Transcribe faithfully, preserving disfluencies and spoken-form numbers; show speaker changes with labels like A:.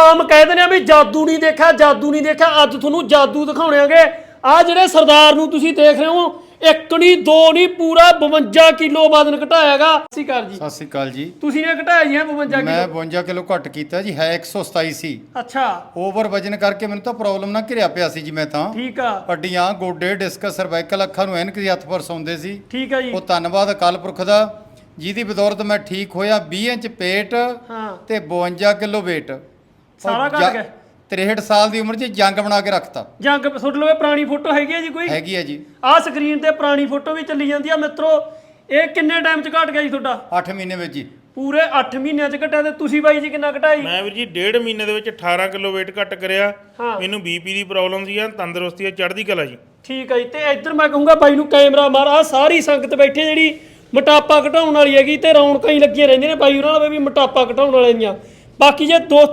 A: ਆਮ ਕਹਿ ਦਿੰਦੇ ਆ ਵੀ ਜਾਦੂ ਨਹੀਂ ਦੇਖਿਆ ਜਾਦੂ ਨਹੀਂ ਦੇਖਿਆ ਅੱਜ ਤੁਹਾਨੂੰ ਜਾਦੂ ਦਿਖਾਉਣਾਂਗੇ। ਆ ਜਿਹੜੇ ਸਰਦਾਰ ਨੂੰ ਤੁਸੀਂ ਦੇਖ ਰਹੇ ਹੋ ਇੱਕ ਨਹੀਂ ਦੋ ਨਹੀਂ ਪੂਰਾ ਬਵੰਜਾ ਕਿਲੋ ਵਜ਼ਨ ਘਟਾਇਆਗਾ। ਸਤਿ ਸ਼੍ਰੀ ਅਕਾਲ ਜੀ।
B: ਸਤਿ ਸ਼੍ਰੀ ਅਕਾਲ ਜੀ।
A: ਤੁਸੀਂ ਨੇ ਘਟਾਇਆ ਜੀ ਬਵੰਜਾ ਕਿਲੋ?
B: ਮੈਂ ਬਵੰਜਾ ਕਿਲੋ ਘੱਟ ਕੀਤਾ ਜੀ, ਹੈ ਇੱਕ ਸੌ ਸਤਾਈ ਸੀ।
A: ਅੱਛਾ।
B: ਓਵਰ ਵਜਨ ਕਰਕੇ ਮੈਨੂੰ ਤਾਂ ਪ੍ਰੋਬਲਮ ਨਾ ਘਿਰਿਆ ਪਿਆ ਸੀ ਜੀ। ਮੈਂ ਤਾਂ
A: ਠੀਕ ਆ।
B: ਹੱਡੀਆਂ ਗੋਡੇ ਡਿਸਕਸ ਸਰਵਾਈਕਲ ਅੱਖਾਂ ਨੂੰ ਐਨਕ ਦੀ ਹੱਥ ਪਰ ਸੌਂਦੇ ਸੀ।
A: ਠੀਕ ਆ ਜੀ।
B: ਉਹ ਧੰਨਵਾਦ ਅਕਾਲ ਪੁਰਖ ਦਾ ਜਿਹਦੀ ਬਦੌਲਤ ਮੈਂ ਠੀਕ ਹੋਇਆ। ਵੀਹ ਇੰਚ ਪੇਟ
A: ਹਾਂ
B: ਤੇ ਬਵੰਜਾ ਕਿਲੋ weight
A: ਸਾਰਾ ਘਟ ਗਿਆ।
B: ਤਰੇਹਠ ਸਾਲ ਦੀ ਉਮਰ 'ਚ ਜੰਗ ਬਣਾ ਕੇ ਰੱਖਤਾ।
A: ਜੰਗ ਸੁੱਟ ਲਵੇ। ਪੁਰਾਣੀ ਫੋਟੋ ਹੈਗੀ ਹੈ ਜੀ ਕੋਈ?
B: ਹੈਗੀ ਹੈ ਜੀ।
A: ਆਹ ਸਕਰੀਨ ਤੇ ਪੁਰਾਣੀ ਫੋਟੋ ਵੀ ਚੱਲੀ ਜਾਂਦੀ ਆ ਮਿੱਤਰੋ। ਇਹ ਕਿੰਨੇ ਟਾਈਮ 'ਚ ਘਟ ਗਿਆ ਜੀ ਤੁਹਾਡਾ?
B: ਅੱਠ ਮਹੀਨੇ ਵਿੱਚ ਜੀ।
A: ਪੂਰੇ ਅੱਠ ਮਹੀਨਿਆਂ 'ਚ ਘਟਿਆ। ਤੇ ਤੁਸੀਂ ਬਾਈ ਜੀ ਕਿੰਨਾ ਘਟਾਈ?
C: ਮੈਂ ਵੀਰ ਜੀ ਡੇਢ ਮਹੀਨੇ ਦੇ ਵਿੱਚ ਅਠਾਰਾਂ ਕਿਲੋ weight ਘੱਟ ਕਰਿਆ।
A: ਹਾਂ।
C: ਮੈਨੂੰ ਬੀਪੀ ਦੀ ਪ੍ਰੋਬਲਮ ਸੀ ਆ, ਤੰਦਰੁਸਤੀ ਆ, ਚੜ੍ਹਦੀ ਕਲਾ ਜੀ।
A: ਠੀਕ ਹੈ ਜੀ। ਤੇ ਇੱਧਰ ਮੈਂ ਕਹੂੰਗਾ ਬਾਈ ਨੂੰ ਕੈਮਰਾ ਮਾਰ। ਆ ਸਾਰੀ ਸੰਗਤ ਬੈਠੀ ਜਿਹੜੀ ਮੋਟਾਪਾ ਘਟਾਉਣ ਵਾਲੀ ਹੈਗੀ ਤੇ ਰੌਣਕਾਂ ਹੀ ਲੱਗੀਆਂ ਰਹਿੰਦੀਆਂ ਨੇ ਬਾਈ ਉਹਨਾਂ ਨਾਲ ਵੀ ਮੋਟਾਪਾ ਘਟਾਉਣ ਵਾਲੇ ਦੀਆਂ। ਬਾਕੀ ਜੇ ਦੋਸਤ